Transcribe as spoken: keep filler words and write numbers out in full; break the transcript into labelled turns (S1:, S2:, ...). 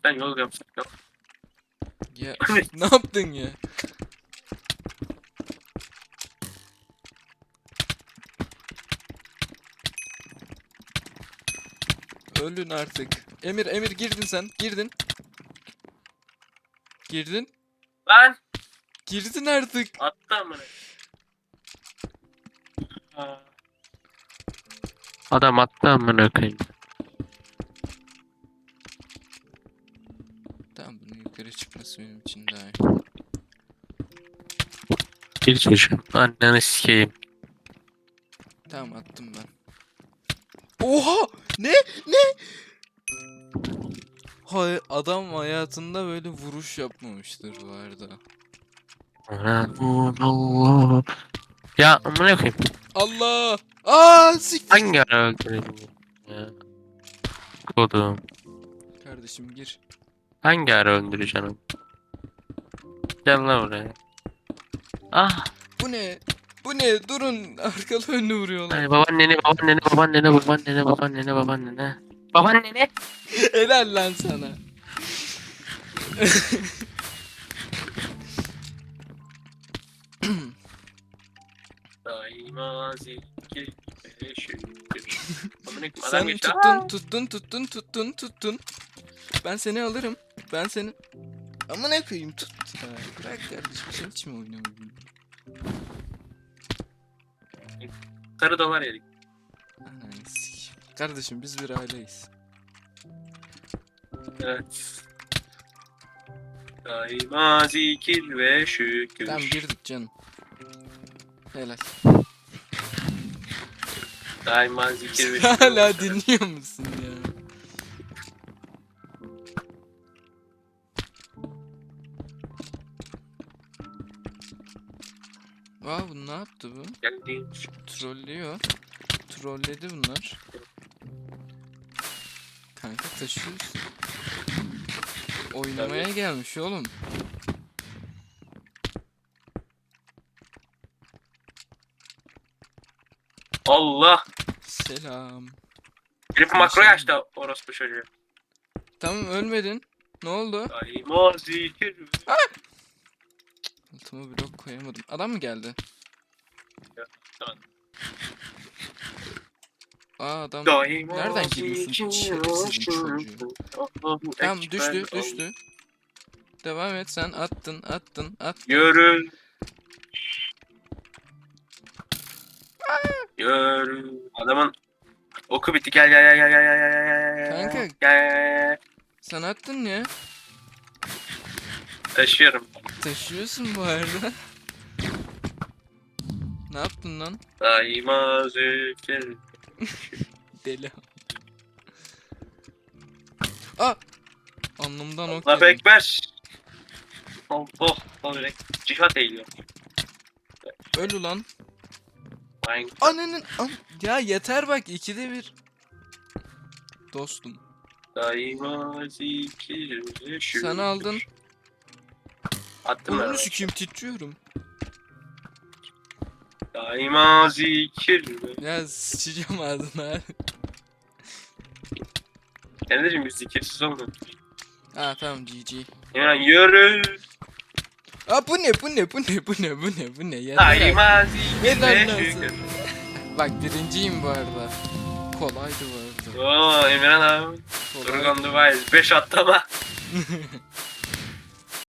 S1: Sen yol yapsak yok.
S2: Ya ne yaptın ya? Ölün artık. Emir Emir girdin sen. Girdin. Girdin.
S1: Lan
S2: Girdin artık.
S1: attı amına. Ha. Adam attı amına koyayım.
S2: Tamam, bunun yukarı çıkması benim için daha iyi.
S1: Bir çocuğum. Anneni sikeyim.
S2: Tamam, attım ben. Oha! Ne? Ne? Hay, adam hayatında böyle vuruş yapmamıştır bu arada.
S1: Allah. Ya amına koyayım.
S2: Allah! Aa, siktir.
S1: Hangi ara öldürdün ya? Kodum.
S2: Kardeşim gir.
S1: Hangi ara öldüreceksin onu? Gel lan buraya. Ah.
S2: Bu ne? Bu ne? Durun. Arkalı önlü vuruyorlar.
S1: Ay babaanneni babaanneni babaanneni babaanneni babaanneni babaanneni. Babaanneni.
S2: Helal lan sana.
S1: Daima zikir şükür.
S2: Sen tuttun, tuttun, tuttun, tuttun, tuttun. Ben seni alırım. Ben seni... Amına koyayım, tut. Ya, bırak kardeşim, sen hiç mi oynamadın?
S1: Sarı dolar yedik.
S2: Ananı sikeyim. Kardeşim biz bir aileyiz.
S1: Evet. Daima zikir ve şükür.
S2: Tamam, girdik canım. Helal.
S1: Daima zikir ve şükür.
S2: Hala dinliyor musun ya? Vay, bu ne yaptı bu?
S1: Geldiğin
S2: Trollüyor. Trolledi bunlar. Kanka taşıyoruz. Oynamaya gelmiş oğlum.
S1: Allah.
S2: Selam.
S1: Herif makroyu açtı orospu çocuğu.
S2: Tamam, ölmedin. Ne oldu?
S1: Daima zikir.
S2: Altıma blok koyamadım. Adam mı geldi?
S1: Tamam.
S2: Aa, adam.
S1: Daima
S2: Nereden geliyorsun? Şerefsizin çocuğu. Tamam, düştü düştü. Devam et, sen attın attın attın.
S1: Yürü. Yürü. Adamın oku bitti. Gel gel gel gel gel gel gel gel.
S2: Kanka.
S1: Gel gel gel.
S2: Sen attın ya.
S1: Taşıyorum.
S2: Taşıyorsun bu arada. Ne yaptın lan?
S1: Daima zikir.
S2: Deli. Aa! Alnımdan ok
S1: Allah
S2: yedim.
S1: ekber. Oh oh oh. Cihat eğiliyor.
S2: Öl ulan.
S1: Aynen.
S2: Ananın an ya yeter bak, ikide bir. Dostum.
S1: Daima zikir ve şükür.
S2: Sen aldın.
S1: Attım ben.
S2: Onu sikeyim, titriyorum.
S1: Daima zikir ve...
S2: Ya sıçacağım ağzına.
S1: Kendicim biz zikirsiz olmadık.
S2: Ha tamam, G G.
S1: Yani yürü.
S2: Aa, bu ne bu ne bu ne bu ne bu ne bu ne yeter artık.
S1: Daima zikir
S2: Helal
S1: ve
S2: olsun.
S1: şükür.
S2: Bak, birinciyim bu arada. Kolaydı bu arada.
S1: Oo Emirhan abi.
S2: Kolaydı.
S1: Durgan Dubai beş attı ama.